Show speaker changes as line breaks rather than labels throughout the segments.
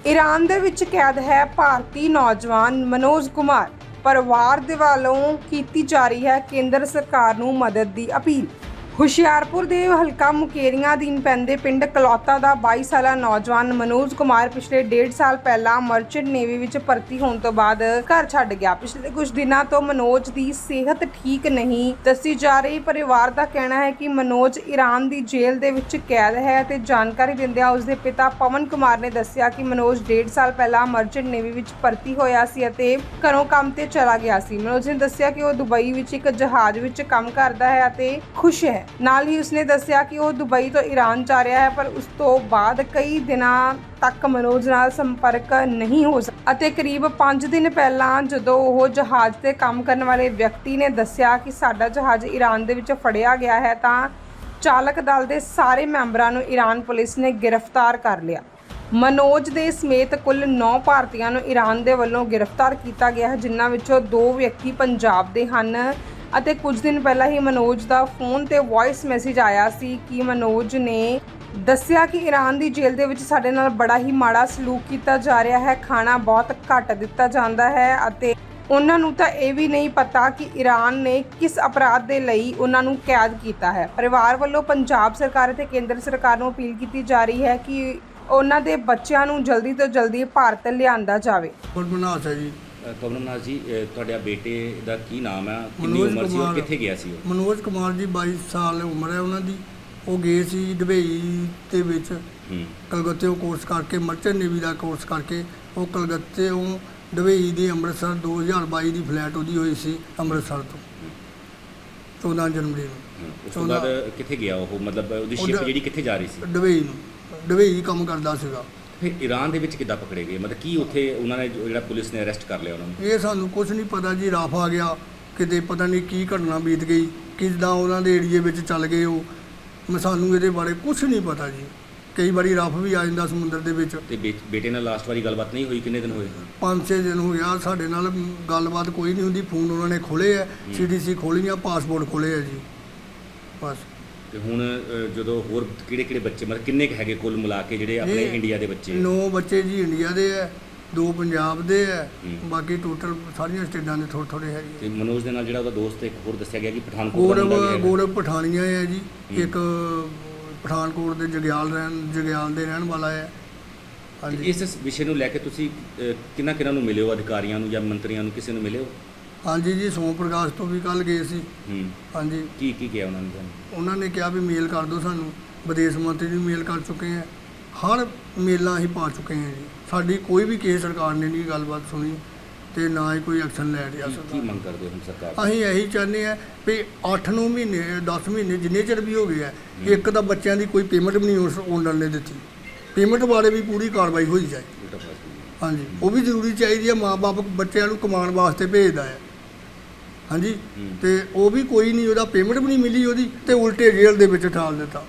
Iran दे विच कैद है भारतीय नौजवान मनोज कुमार। परिवार दे वालों कीती जा रही है केंद्र सरकार नूं मदद दी अपील। ਹੁਸ਼ਿਆਰਪੁਰ ਦੇ ਹਲਕਾ ਮੁਕੇਰੀਆਂ ਅਧੀਨ ਪੈਂਦੇ ਪਿੰਡ ਕਲੌਤਾ ਦਾ 22 ਸਾਲਾ ਨੌਜਵਾਨ ਮਨੋਜ ਕੁਮਾਰ ਪਿਛਲੇ 1.5 ਸਾਲ ਪਹਿਲਾਂ ਮਰਚੈਂਟ ਨੇਵੀ ਵਿੱਚ ਭਰਤੀ ਹੋਣ ਤੋਂ ਬਾਅਦ ਘਰ ਛੱਡ ਗਿਆ। ਪਿਛਲੇ ਕੁਝ ਦਿਨਾਂ ਤੋਂ ਮਨੋਜ ਦੀ ਸਿਹਤ ਠੀਕ ਨਹੀਂ ਦੱਸੀ ਜਾ ਰਹੀ। ਪਰਿਵਾਰ ਦਾ ਕਹਿਣਾ ਹੈ ਕਿ ਮਨੋਜ ਈਰਾਨ ਦੀ ਜੇਲ੍ਹ ਦੇ ਵਿੱਚ ਕੈਦ ਹੈ ਅਤੇ ਜਾਣਕਾਰੀ ਦਿੰਦਿਆਂ ਉਸ ਦੇ ਪਿਤਾ ਪਵਨ ਕੁਮਾਰ ਨੇ ਦੱਸਿਆ ਕਿ ਮਨੋਜ 1.5 ਸਾਲ ਪਹਿਲਾਂ ਮਰਚੈਂਟ ਨੇਵੀ ਵਿੱਚ ਭਰਤੀ ਹੋਇਆ ਸੀ ਅਤੇ ਘਰੋਂ ਕੰਮ ਤੇ ਚਲਾ ਗਿਆ ਸੀ। ਮਨੋਜ ਨੇ ਦੱਸਿਆ ਕਿ ਉਹ ਦੁਬਈ ਵਿੱਚ ਇੱਕ ਜਹਾਜ਼ ਵਿੱਚ ਕੰਮ ਕਰਦਾ ਹੈ ਅਤੇ ਖੁਸ਼ ਹੈ। ਨਾਲ ਹੀ ਉਸਨੇ ਦੱਸਿਆ ਕਿ ਉਹ ਦੁਬਈ ਤੋਂ ਈਰਾਨ ਜਾ ਰਿਹਾ ਹੈ, ਪਰ ਉਸ ਤੋਂ ਬਾਅਦ ਕਈ ਦਿਨਾਂ ਤੱਕ ਮਨੋਜ ਨਾਲ ਸੰਪਰਕ ਨਹੀਂ ਹੋ ਸਕਿਆ ਅਤੇ ਕਰੀਬ 5 ਦਿਨ ਪਹਿਲਾਂ ਜਦੋਂ ਉਹ ਜਹਾਜ਼ ਤੇ ਕੰਮ ਕਰਨ ਵਾਲੇ ਵਿਅਕਤੀ ਨੇ ਦੱਸਿਆ ਕਿ ਸਾਡਾ ਜਹਾਜ਼ ਈਰਾਨ ਦੇ ਵਿੱਚ ਫੜਿਆ ਗਿਆ ਹੈ ਤਾਂ ਚਾਲਕ ਦਲ ਦੇ ਸਾਰੇ ਮੈਂਬਰਾਂ ਨੂੰ ਈਰਾਨ ਪੁਲਿਸ ਨੇ ਗ੍ਰਿਫਤਾਰ ਕਰ ਲਿਆ। ਮਨੋਜ ਦੇ ਸਮੇਤ ਕੁੱਲ 9 ਭਾਰਤੀਆਂ ਨੂੰ ਈਰਾਨ ਦੇ ਵੱਲੋਂ ਗ੍ਰਿਫਤਾਰ ਕੀਤਾ ਗਿਆ ਹੈ, ਜਿਨ੍ਹਾਂ ਵਿੱਚੋਂ 2 ਵਿਅਕਤੀ ਪੰਜਾਬ ਦੇ ਹਨ ਅਤੇ ਕੁਝ ਦਿਨ ਪਹਿਲਾਂ ਹੀ ਮਨੋਜ ਦਾ ਫੋਨ ਤੇ ਵੌਇਸ ਮੈਸੇਜ ਆਇਆ ਸੀ ਕਿ ਮਨੋਜ ਨੇ ਦੱਸਿਆ ਕਿ ਈਰਾਨ ਦੀ ਜੇਲ੍ਹ ਦੇ ਵਿੱਚ ਸਾਡੇ ਨਾਲ ਬੜਾ ਹੀ ਮਾੜਾ ਸਲੂਕ ਕੀਤਾ ਜਾ ਰਿਹਾ ਹੈ, ਖਾਣਾ ਬਹੁਤ ਘੱਟ ਦਿੱਤਾ ਜਾਂਦਾ ਹੈ ਅਤੇ ਉਹਨਾਂ ਨੂੰ ਤਾਂ ਇਹ ਵੀ ਨਹੀਂ ਪਤਾ ਕਿ ਈਰਾਨ ਨੇ ਕਿਸ ਅਪਰਾਧ ਦੇ ਲਈ ਉਹਨਾਂ ਨੂੰ ਕੈਦ ਕੀਤਾ ਹੈ। ਪਰਿਵਾਰ ਵੱਲੋਂ ਪੰਜਾਬ ਸਰਕਾਰ ਅਤੇ ਕੇਂਦਰ ਸਰਕਾਰ ਨੂੰ ਅਪੀਲ ਕੀਤੀ ਜਾ ਰਹੀ ਹੈ ਕਿ ਉਹਨਾਂ ਦੇ ਬੱਚਿਆਂ ਨੂੰ ਜਲਦੀ ਤੋਂ ਜਲਦੀ ਭਾਰਤ ਲਿਆਂਦਾ ਜਾਵੇ।
ਕਮਲਨਾਥ ਜੀ, ਤੁਹਾਡੇ ਬੇਟੇ ਦਾ ਕੀ ਨਾਮ ਹੈ, ਕਿੰਨੀ ਉਮਰ ਸੀ और ਕਿੱਥੇ ਗਿਆ ਸੀ?
ਮਨੋਜ ਕੁਮਾਰ ਜੀ 22 ਸਾਲ ਉਮਰ ਹੈ ਉਹਨਾਂ ਦੀ। ਉਹ ਗਏ ਸੀ ਦੁਬਈ ਦੇ ਵਿੱਚ ਕਲਕੱਤੇ ਕੋਰਸ ਕਰਕੇ, ਮਰਚੈਂਟ ਨੇਵੀ ਦਾ ਕੋਰਸ ਕਰਕੇ ਉਹ ਕਲਕੱਤੇ ਦੁਬਈ ਦੀ ਅੰਮ੍ਰਿਤਸਰ 2022 ਦੀ ਫਲਾਈਟ ਉਹਦੀ ਹੋਈ ਸੀ ਅੰਮ੍ਰਿਤਸਰ ਤੋਂ 14 ਜਨਵਰੀ ਨੂੰ।
ਉਸ ਤੋਂ ਬਾਅਦ ਕਿੱਥੇ ਗਿਆ ਉਹ, ਮਤਲਬ ਉਹਦੀ ਸ਼ਿਪ ਜਿਹੜੀ ਕਿੱਥੇ ਜਾ ਰਹੀ ਸੀ?
ਦੁਬਈ ਨੂੰ। ਦੁਬਈ ਕੰਮ ਕਰਦਾ ਸੀਗਾ।
ਫਿਰ ਈਰਾਨ ਦੇ ਵਿੱਚ ਕਿੱਦਾਂ ਪਕੜੇ ਗਏ, ਮਤਲਬ ਕੀ ਉੱਥੇ ਉਹਨਾਂ ਨੇ ਜਿਹੜਾ ਪੁਲਿਸ ਨੇ ਅਰੈਸਟ ਕਰ ਲਿਆ ਉਹਨਾਂ ਨੂੰ?
ਇਹ ਸਾਨੂੰ ਕੁਝ ਨਹੀਂ ਪਤਾ ਜੀ। ਰਫ ਆ ਗਿਆ ਕਿਤੇ, ਪਤਾ ਨਹੀਂ ਕੀ ਘਟਨਾ ਬੀਤ ਗਈ, ਕਿੱਦਾਂ ਉਹਨਾਂ ਦੇ ਏਰੀਏ ਵਿੱਚ ਚੱਲ ਗਏ ਉਹ। ਸਾਨੂੰ ਇਹਦੇ ਬਾਰੇ ਕੁਝ ਨਹੀਂ ਪਤਾ ਜੀ। ਕਈ ਵਾਰੀ ਰਫ ਵੀ ਆ ਜਾਂਦਾ ਸਮੁੰਦਰ ਦੇ ਵਿੱਚ।
ਤੇ ਬੇਟੇ ਨਾਲ ਲਾਸਟ ਵਾਰੀ ਗੱਲਬਾਤ ਨਹੀਂ ਹੋਈ? ਕਿੰਨੇ ਦਿਨ ਹੋਏ?
5-6 ਦਿਨ ਹੋ ਗਿਆ ਸਾਡੇ ਨਾਲ ਗੱਲਬਾਤ ਕੋਈ ਨਹੀਂ ਹੁੰਦੀ। ਫੋਨ ਉਹਨਾਂ ਨੇ ਖੋਲ੍ਹੇ ਹੈ, CDC ਖੋਲ੍ਹੀਆਂ, ਪਾਸਪੋਰਟ ਖੋਲ੍ਹੇ ਹੈ ਜੀ, ਬਸ।
ਤੇ ਹੁਣ ਜਦੋਂ ਹੋਰ ਕਿਹੜੇ ਬੱਚੇ, ਮਤਲਬ ਕਿੰਨੇ ਕੁ ਹੈਗੇ ਕੁੱਲ ਮਿਲਾ ਕੇ ਜਿਹੜੇ ਆਪਣੇ ਇੰਡੀਆ ਦੇ ਬੱਚੇ?
9 ਬੱਚੇ ਜੀ ਇੰਡੀਆ ਦੇ ਹੈ, 2 ਪੰਜਾਬ ਦੇ ਹੈ, ਬਾਕੀ ਟੋਟਲ ਸਾਰੀਆਂ ਸਟੇਟਾਂ ਦੇ ਥੋੜ੍ਹੇ ਹੈਗੇ।
ਤੇ ਮਨੋਜ ਦੇ ਨਾਲ ਜਿਹੜਾ ਉਹਦਾ ਦੋਸਤ ਇੱਕ ਹੋਰ ਦੱਸਿਆ ਗਿਆ ਕਿ ਪਠਾਨਕੋਟ ਦਾ
ਗੌਰਵ ਪਠਾਨੀਆ ਹੈ ਜੀ, ਇੱਕ ਪਠਾਨਕੋਟ ਦੇ ਜਗਿਆਲ ਦੇ ਰਹਿਣ ਵਾਲਾ ਹੈ। ਹਾਂਜੀ।
ਇਸ ਵਿਸ਼ੇ ਨੂੰ ਲੈ ਕੇ ਤੁਸੀਂ ਕਿਹਨਾਂ ਨੂੰ ਮਿਲੇ ਹੋ, ਅਧਿਕਾਰੀਆਂ ਨੂੰ ਜਾਂ ਮੰਤਰੀਆਂ ਨੂੰ, ਕਿਸੇ ਨੂੰ ਮਿਲੇ ਹੋ?
ਹਾਂਜੀ ਜੀ, ਸੋਮ ਪ੍ਰਕਾਸ਼ ਤੋਂ ਵੀ ਕੱਲ੍ਹ ਗਏ ਸੀ। ਹਾਂਜੀ।
ਕੀ ਕਿਹਾ ਉਹਨਾਂ ਨੇ?
ਉਹਨਾਂ ਨੇ ਕਿਹਾ ਵੀ ਮੇਲ ਕਰ ਦਿਓ ਸਾਨੂੰ। ਵਿਦੇਸ਼ ਮੰਤਰੀ ਨੂੰ ਮੇਲ ਕਰ ਚੁੱਕੇ ਹਾਂ, ਹਰ ਮੇਲਾਂ ਅਸੀਂ ਪਾ ਚੁੱਕੇ ਹਾਂ ਜੀ। ਸਾਡੀ ਕੋਈ ਵੀ ਕਿਸੇ ਸਰਕਾਰ ਨੇ ਨਹੀਂ ਗੱਲਬਾਤ ਸੁਣੀ ਤੇ ਨਾ ਹੀ ਕੋਈ ਐਕਸ਼ਨ ਲੈ ਰਿਹਾ।
ਕੀ ਮੰਗ ਕਰਦੇ ਹੋ ਹੁਣ ਸਰਕਾਰ?
ਅਸੀਂ ਇਹੀ ਚਾਹੁੰਦੇ ਹਾਂ ਵੀ 8-9 ਮਹੀਨੇ 10 ਮਹੀਨੇ ਜਿੰਨੇ ਚਿਰ ਵੀ ਹੋ ਗਏ ਆ, ਇੱਕ ਤਾਂ ਬੱਚਿਆਂ ਦੀ ਕੋਈ ਪੇਮੈਂਟ ਵੀ ਨਹੀਂ ਉਸ ਓਨਰ ਨੇ ਦਿੱਤੀ। ਪੇਮੈਂਟ ਬਾਰੇ ਵੀ ਪੂਰੀ ਕਾਰਵਾਈ ਹੋਈ ਜਾਏ। ਹਾਂਜੀ, ਉਹ ਵੀ ਜ਼ਰੂਰੀ ਚਾਹੀਦੀ ਹੈ। ਮਾਂ-ਬਾਪ ਬੱਚਿਆਂ ਨੂੰ ਕਮਾਉਣ ਵਾਸਤੇ ਭੇਜਦਾ ਹੈ। ਹਾਂਜੀ, ਤੇ ਉਹ ਵੀ ਕੋਈ ਨਹੀਂ, ਉਹਦਾ ਪੇਮੈਂਟ ਵੀ ਨਹੀਂ ਮਿਲੀ ਉਹਦੀ, ਤੇ ਉਲਟੇ ਜੇਲ੍ਹ ਦੇ ਵਿੱਚ ਠਾਲ ਦਿੱਤਾ।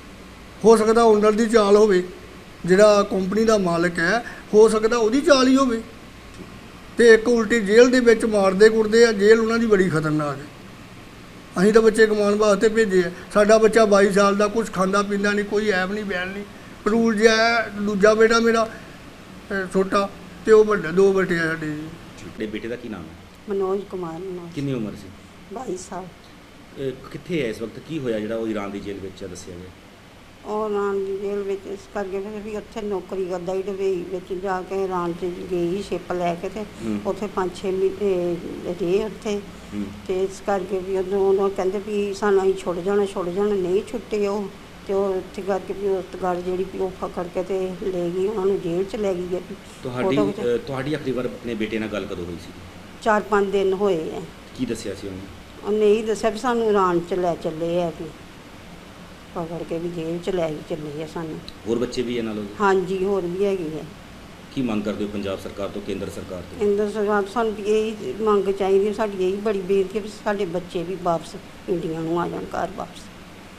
ਹੋ ਸਕਦਾ ਓਨਰ ਦੀ ਚਾਲ ਹੋਵੇ, ਜਿਹੜਾ ਕੰਪਨੀ ਦਾ ਮਾਲਕ ਹੈ, ਹੋ ਸਕਦਾ ਉਹਦੀ ਚਾਲ ਹੀ ਹੋਵੇ। ਤੇ ਇੱਕ ਉਲਟੀ ਜੇਲ੍ਹ ਦੇ ਵਿੱਚ ਮਾਰਦੇ ਕੁੱਟਦੇ ਆ। ਜੇਲ੍ਹ ਉਹਨਾਂ ਦੀ ਬੜੀ ਖਤਰਨਾਕ ਹੈ। ਅਸੀਂ ਤਾਂ ਬੱਚੇ ਕਮਾਉਣ ਵਾਸਤੇ ਭੇਜੇ ਆ। ਸਾਡਾ ਬੱਚਾ 22 ਸਾਲ ਦਾ, ਕੁਝ ਖਾਂਦਾ ਪੀਂਦਾ ਨਹੀਂ, ਕੋਈ ਐਬ ਨਹੀਂ ਬੈਣ ਨਹੀਂ, ਪਰੂਲ ਜਿਹਾ ਹੈ। ਦੂਜਾ ਬੇਟਾ ਮੇਰਾ ਛੋਟਾ, ਤੇ ਉਹ ਵੱਡਾ, 2 ਬੇਟੇ ਆ ਸਾਡੇ ਜੀ।
ਤੁਹਾਡੇ ਬੇਟੇ ਦਾ ਕੀ ਨਾਮ ਹੈ?
ਮਨੋਜ ਕੁਮਾਰ।
ਕਿੰਨੀ ਉਮਰ ਸੀ?
22 ਸਾਲ।
ਕਿੱਥੇ ਹੈ ਇਸ ਵਕਤ? ਕੀ ਹੋਇਆ ਜਿਹੜਾ ਉਹ ਈਰਾਨ ਦੀ ਜੇਲ੍ਹ ਵਿੱਚ ਦੱਸਿਆ ਗਿਆ?
ਉਹ ਈਰਾਨ ਦੀ ਜੇਲ੍ਹ ਵਿੱਚ ਇਸ ਕਰਕੇ ਫਿਰ ਵੀ ਉੱਥੇ ਨੌਕਰੀ ਕਰਦਾ ਹੀ ਦੁਬਈ ਵਿੱਚ ਜਾ ਕੇ ਈਰਾਨ 'ਚ ਗਈ ਸ਼ਿਪ ਲੈ ਕੇ, ਤੇ ਉੱਥੇ 5-6 ਮਹੀਨੇ ਰਹੇ ਉੱਥੇ। ਤੇ ਇਸ ਕਰਕੇ ਵੀ ਉਦੋਂ ਕਹਿੰਦੇ ਵੀ ਸਾਨੂੰ ਅਸੀਂ ਛੁੱਟ ਜਾਣਾ ਨਹੀਂ ਛੁੱਟੇ ਉਹ। ਤੇ ਉਹ ਉੱਥੇ ਕਰਕੇ ਵੀ ਉਸ ਗੱਲ ਜਿਹੜੀ ਵੀ ਉਹ ਫਕੜ ਕੇ ਤੇ ਲੈ ਗਈ, ਉਹਨਾਂ ਨੂੰ ਜੇਲ੍ਹ 'ਚ ਲੈ ਗਈ ਹੈ।
ਤੁਹਾਡੀ ਆਖਰੀ ਵਾਰ ਆਪਣੇ ਬੇਟੇ ਨਾਲ ਗੱਲ ਕਦੋਂ ਹੋਈ ਸੀ?
4-5 ਦਿਨ ਹੋਏ ਹੈ।
ਕੀ ਦੱਸਿਆ ਸੀ ਉਹਨੇ?
ਉਹਨੇ ਇਹੀ ਦੱਸਿਆ ਵੀ ਸਾਨੂੰ ਈਰਾਨ 'ਚ ਲੈ ਚੱਲੇ ਆ, ਕਿ ਪਕੜ ਕੇ ਵੀ ਜੇਲ੍ਹ 'ਚ ਲੈ ਚੱਲੇ ਆ ਸਾਨੂੰ।
ਹੋਰ ਬੱਚੇ ਵੀ ਇਹਨਾਂ ਨਾਲ?
ਹਾਂਜੀ, ਹੋਰ ਵੀ ਹੈਗੇ ਹੈ।
ਕੀ ਮੰਗ ਕਰਦੇ ਹੋ ਪੰਜਾਬ ਸਰਕਾਰ ਤੋਂ, ਕੇਂਦਰ ਸਰਕਾਰ ਤੋਂ?
ਕੇਂਦਰ ਸਰਕਾਰ ਸਾਨੂੰ ਇਹੀ ਮੰਗ ਚਾਹੀਦੀ, ਸਾਡੀ ਇਹੀ ਬੜੀ ਬੇਨਤੀ ਹੈ ਵੀ ਸਾਡੇ ਬੱਚੇ ਵੀ ਵਾਪਸ ਇੰਡੀਆ ਨੂੰ ਆ ਜਾਣ, ਘਰ ਵਾਪਸ।